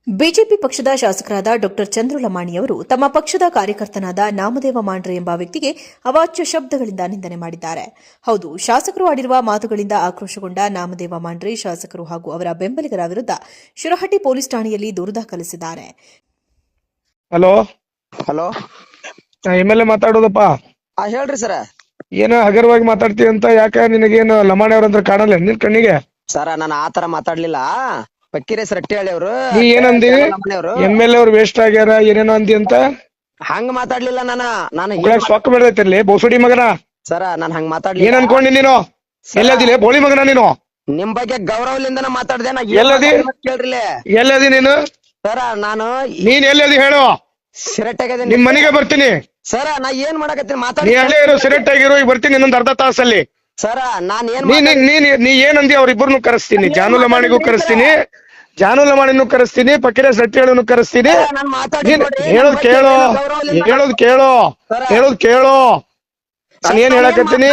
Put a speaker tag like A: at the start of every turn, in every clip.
A: BJP ಪಕ್ಷದ ಶಾಸಕರಾದ ಡಾ ಚಂದ್ರಲಮಾಣಿಯವರು ತಮ್ಮ ಪಕ್ಷದ ಕಾರ್ಯಕರ್ತನಾದ ನಾಮದೇವ ಮಾಂಡ್ರೆ ಎಂಬ ವ್ಯಕ್ತಿಗೆ ಅವಾಚ್ಯ ಶಬ್ದಗಳಿಂದ ನಿಂದನೆ ಮಾಡಿದ್ದಾರೆ. ಹೌದು, ಶಾಸಕರು ಆಡಿರುವ ಮಾತುಗಳಿಂದ ಆಕ್ರೋಶಗೊಂಡ ನಾಮದೇವ ಮಾಂಡ್ರೆ ಶಾಸಕರು ಹಾಗೂ ಅವರ ಬೆಂಬಲಿಗರ ವಿರುದ್ಧ ಶಿರಹಟ್ಟಿ ಪೊಲೀಸ್ ಠಾಣೆಯಲ್ಲಿ ದೂರು ದಾಖಲಿಸಿದ್ದಾರೆ.
B: ಹಲೋ
C: ಹಲೋ
B: ಎಮ್ಎಲ್ಎ ಮಾತಾಡೋದಪ್ಪ.
C: ಹೇಳ್ರಿ ಸರ.
B: ಏನೋ ಹಗರವಾಗಿ ಮಾತಾಡ್ತೀವಿ ಅಂತ ಯಾಕೆ ನಿನಗೇನು ಲಮಾಣಿ ಅವ್ರಂದ್ರೆ ಕಾಣಲ್ಲ ನಿನ್ ಕಣ್ಣಿಗೆ?
C: ಸರ ನಾನು ಆತರ ಮಾತಾಡ್ಲಿಲ್ಲ. ಪಕ್ಕೀರೆ ರಟ್ಟಿ ಹೇಳಿ ಅವ್ರು
B: ನೀ ಏನಂದಿ? ಎಮ್ಎಲ್ಎ ಅವ್ರು ವೇಸ್ಟ್ ಆಗ್ಯಾರ ಏನೇನೋ ಅಂದಿ ಅಂತ.
C: ಹಂಗ ಮಾತಾಡ್ಲಿಲ್ಲ ನಾನು
B: ಸೊಕ್ಕ ಬೆಳೆದೈತಿರ್ಲಿ ಬೋಸುಡಿ ಮಗನ.
C: ಸರ ನಾನ್ ಹಂಗ ಮಾತಾಡ್ಲಿಲ್ಲ.
B: ಏನ್ ಅನ್ಕೊಂಡಿ ನೀನು? ಎಲ್ಲದಿಲ್ಲ ಬೋಳಿ ಮಗನ ನೀನು?
C: ನಿಮ್ ಬಗ್ಗೆ ಗೌರವಲಿಂದನ ಮಾತಾಡ್ದೆ.
B: ಎಲ್ಲದಿ
C: ಕೇಳ್ರಿ
B: ಎಲ್ಲದಿ ನೀನು?
C: ಸರ ನಾನು
B: ನೀನ್ ಎಲ್ಲದಿ ಹೇಳು?
C: ಸಿರೆಟ್ಟಾಗ
B: ನಿಮ್ ಮನೆಗೆ ಬರ್ತೀನಿ.
C: ಸರ ನಾ ಏನ್ ಮಾಡಕತ್ತೀನಿ
B: ನೀ
C: ಮಾತಾಡಿ.
B: ಅಲ್ಲೇ ಇರೋ ಸಿರೆಟ್ ಆಗಿರೋ, ಈಗ ಬರ್ತೀನಿ ಇನ್ನೊಂದ್ ಅರ್ಧ ತಾಸಲ್ಲಿ.
C: ಸರ ನಾನ್ ಏನ್
B: ನೀ ಏನಂದಿ ಅವ್ರಿಬ್ಬರನ್ನು ಕರೆಸ್ತೀನಿ. ಜಾನು ಲಮಾಣಿಗೂ ಕರೆಸ್ತೀನಿ, ಜಾನು ಲಮಾಣಿನೂ ಕರೆಸ್ತೀನಿ, ಪಕ್ಕಿರ ಸಟ್ಟಿಗಳನ್ನು ಕರೆಸ್ತೀನಿ. ಹೇಳೋದ್ ಕೇಳೋ, ಹೇಳೋದ್ ಕೇಳೋ, ಹೇಳೋದ್ ಕೇಳೋ. ನಾನು ಏನ್ ಹೇಳಕತ್ತೀನಿ?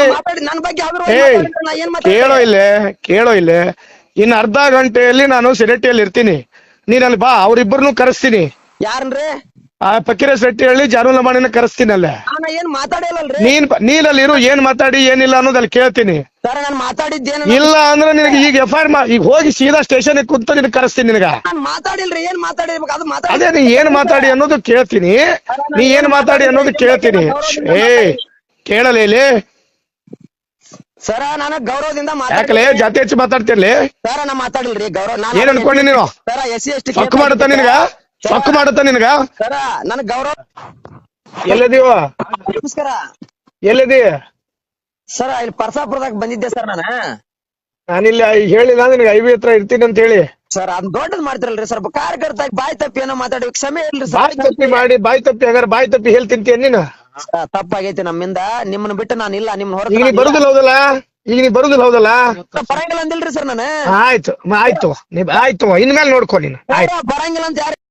B: ಕೇಳೋ ಇಲ್ಲೇ, ಕೇಳೋ ಇಲ್ಲೇ. ಇನ್ನು ಅರ್ಧ ಗಂಟೆಯಲ್ಲಿ ನಾನು ಸಿರಟ್ಟಿಯಲ್ಲಿ ಇರ್ತೀನಿ. ನೀನ್ ಅಲ್ಲಿ ಬಾ, ಅವ್ರಿಬ್ಬರನ್ನು ಕರೆಸ್ತೀನಿ.
C: ಯಾರನ್ರಿ?
B: ಆ ಪಕ್ಕಿರ ಸಟ್ಟಿಹಳ್ಳಿ ಜಾನು ಲಮಾಣಿನ ಕರೆಸ್ತೀನಿ ಅಲ್ಲೇ.
C: ಏನ್ ಮಾತಾಡಿಲ್ಲಲ್ರಿ.
B: ನೀನ್ ಅಲ್ಲಿ ಇರು, ಏನ್ ಮಾತಾಡಿ ಏನಿಲ್ಲ ಅನ್ನೋದಲ್ಲಿ ಕೇಳ್ತೀನಿ.
C: ಸರ ನಾನ್ ಮಾತಾಡಿದ್ದೇನ?
B: ಇಲ್ಲ ಅಂದ್ರೆ ನಿನಗೆ ಈಗ FIR ಈಗ ಹೋಗಿ ಸೀದಾ ಸ್ಟೇಷನ್ ಕುಂತ ನಿನಗೆ ಕರೆಸ್ತೀನಿ. ನಿನಗ
C: ನಾನ್ ಮಾತಾಡಿಲ್ರಿ. ಏನ್ ಮಾತಾಡಿರ್ಬೇಕು ಅದು
B: ಅದೇ ನೀ ಏನ್ ಮಾತಾಡಿ ಅನ್ನೋದು ಕೇಳ್ತೀನಿ. ನೀ ಏನ್ ಮಾತಾಡಿ ಅನ್ನೋದು ಕೇಳ್ತೀನಿ. ಕೇಳಲೇ ಇಲ್ಲಿ
C: ಸರ ನಾನು ಗೌರವದಿಂದ
B: ಯಾಕಲೇ ಜಾತಿ ಹೆಚ್ಚು ಮಾತಾಡ್ತಿರ್ಲಿ?
C: ಸರ ನಾ ಮಾತಾಡಿಲ್ರಿ. ಗೌರವ
B: ಏನ್ ಅನ್ಕೊಂಡಿ ನೀನು?
C: ಸರ SC/ST
B: ಸೊಕ್ಕು ಮಾಡುತ್ತ ನಿನಗ? ಸೊಕ್ಕು ಮಾಡುತ್ತ ನಿನಗ?
C: ಸರ ನನ್ ಗೌರವ.
B: ಎಲ್ಲದೀವ?
C: ನಮಸ್ಕಾರ.
B: ಎಲ್ಲದಿ?
C: ಸರ ಇಲ್ಲಿ ಪರ್ಸಾಪುರದಾಗ ಬಂದಿದ್ದೆ ಸರ್
B: ನಾನಿಲ್ಲಿ ಹೇಳಿಲ್ಲ ನಿನಗೆ IB ಹತ್ರ ಇರ್ತೀನಿ ಅಂತ ಹೇಳಿ.
C: ಸರ್ ಅದ್ ದೊಡ್ಡದ್ ಮಾಡ್ತಿರಲ್ರಿ ಸ್ವಲ್ಪ ಕಾರ್ಯಕರ್ತ ಬಾಯ್ ತಪ್ಪಿ ಏನೋ ಮಾತಾಡಿ ಕ್ಷಮೆ ಇಲ್ರಿ ಸರ್.
B: ಬಾಯ್ ತಪ್ಪಿ ಮಾಡಿ ಬಾಯ್ ತಪ್ಪಿ ಹಾಗಾದ್ರೆ ಬಾಯ್ ತಪ್ಪಿ ಹೇಳ್ತಿಂತೀಯ ನೀನು?
C: ತಪ್ಪಾಗೈತಿ ನಮ್ಮಿಂದ. ನಿಮ್ಮನ್ನ ಬಿಟ್ಟು ನಾನು ಇಲ್ಲ. ನಿಮ್ನ ಹೊರ
B: ಈಗ ನೀ ಬರುದಿಲ್ಲ ಹೌದಲ್ಲ? ಈಗ ನೀ ಬರುದಿಲ್ಲ ಹೌದಲ್ಲ?
C: ಬರಂಗಿಲ್ಲ ಅಂದಿಲ್ರಿ ಸರ್ ನಾನು.
B: ಆಯ್ತು ಆಯ್ತು, ಆಯ್ತು ಇನ್ಮೇಲೆ ನೋಡ್ಕೊ ನೀನು.
C: ಬರಂಗಿಲ್ಲ ಅಂತ ಯಾರು